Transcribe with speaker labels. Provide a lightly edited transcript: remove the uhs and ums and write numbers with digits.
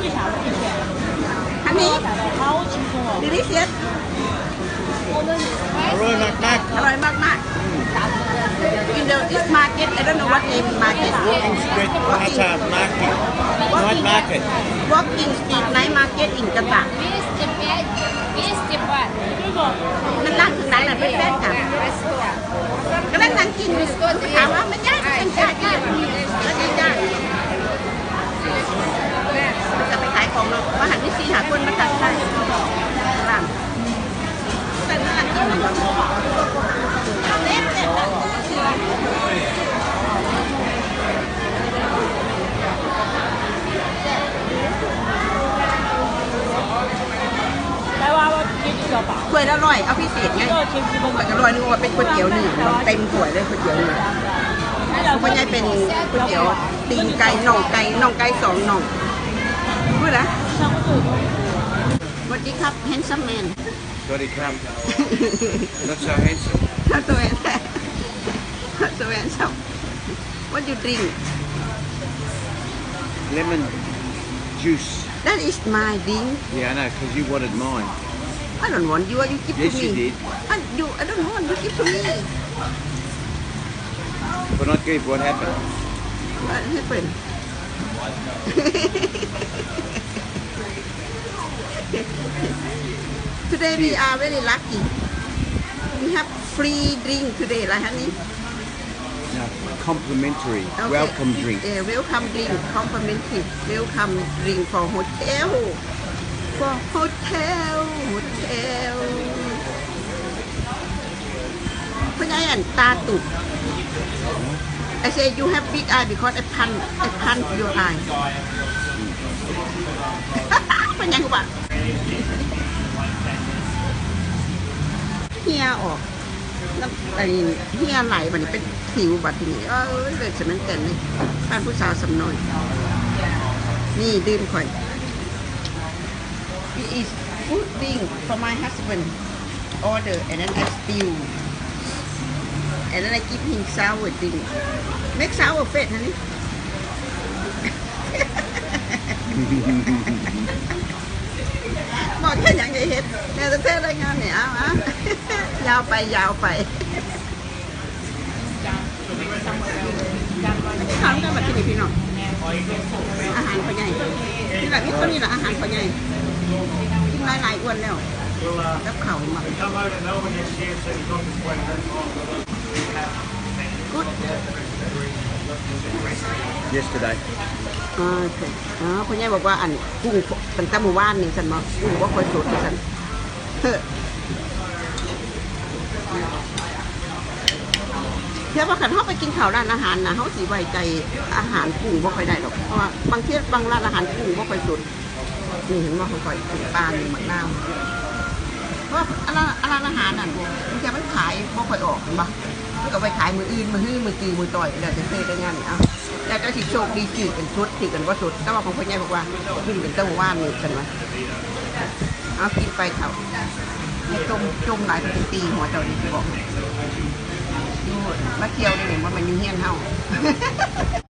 Speaker 1: อันนี้ delicious
Speaker 2: อร่อยมาก
Speaker 1: อร่อยมาก in the this market I don't know what name market
Speaker 2: Walking street Hatta market. Night market.
Speaker 1: walking street night market in กะตะ
Speaker 3: 20 baht.
Speaker 1: มันร้านถึงไหนน่ะเป็นแฟนค่ะก็นั่งนั่งกินอยู่ถามว่ามันยากเป็นยากแล้วยากมันจะไปขายของเนาะว่าหันที่ซีหาคนมาตัดใช่ร้านแต่ร้านกินมันเล็กถ้วยละร้อยเอาพิเศษไงถ้วยละร้อยนึกว่าเป็นก๋วยเตี๋ยวหนึ่งเต็มถ้วยเลยก๋วยเตี๋ยวหนึ่งเพราะยายเป็นก๋วยเตี๋ยวตีนไก่น่องไก่2น่องพูดนะสวัสดีครับ handsome man
Speaker 2: ๆ Sorry, come. Not so handsome.
Speaker 1: not so handsome not so handsome what you drink
Speaker 2: Lemon juice.
Speaker 1: that is my drink
Speaker 2: Yeah, I know, because you wanted mine.
Speaker 1: I don't want you give
Speaker 2: Yes,
Speaker 1: to me
Speaker 2: you did.
Speaker 1: I don't want you give to me
Speaker 2: But not good. What happened?
Speaker 1: what happened today we are very lucky we have free drink today lah honey
Speaker 2: No, complimentary.
Speaker 1: Okay.
Speaker 2: Welcome drink.
Speaker 1: Yeah, welcome drink complimentary welcome drink for hotelเพราะงั้นตาตุก I say you have big eye because I punch your eye เป็นยังวะเฮียออกน้ำไอ้เฮียไหลมันเป็นสิวบัดทีนี้เลยฉะนั้นแต่นี่บ้านผู้สาวสำน้อยนี่ดื่มข่อย It is food drink for my husband order and then I steal and then I give him sour drink make sour face honey บอกแค่อย่างไงเห็ดแม่จะเทศรายงานเนี่ยเอายาวไปทำกันแบบที่นี่พี่น้องอาหารพ่อใหญ่ที่แบบนี้ก็นี่แหละอาหารพ่อใหญ่กินหลายอ้วนแล้วกับเข่ามาGood
Speaker 2: Yesterday.
Speaker 1: โอเคพ่อใหญ่บอกว่าอันกุ้งตั้งแต่หมู่บ้านนี่ฉันมากุ้งว่าคอยสดฉันเชื่อว่าขันเขาไปกินข้าวร้านอาหารนะเขาสีไว้ใจอาหารกุ้งว่าค่อยได้หรอกเพราะว่าบางที่บางร้านอาหารกุ้งว่าค่อยสดนี่เห็นว่าเขาค่อยถึงปลาหนึ่งหมักน้ำเพราะว่าร้านอาหารนั่นมันจะมันขายว่าค่อยออกเห็นปะก็ไปขายมืออื่นมือฮื้อมือตีมือต่อยเดี๋ยวจะซื้อได้งานเอาแต่ก็สิโชคดีจีเป็นชุดที่กันว่าชุดแต่ว่าของพ่อใหญ่บอกว่าขึ้นเป็นเต้าว่านนี่กันวะเอากินไปเขาให้จมหลายเป็นปีหัวเจ้าดีบอกดูมาเที่ยวได้เห็นว่ามันยุ่งเฮี้ยนเฮา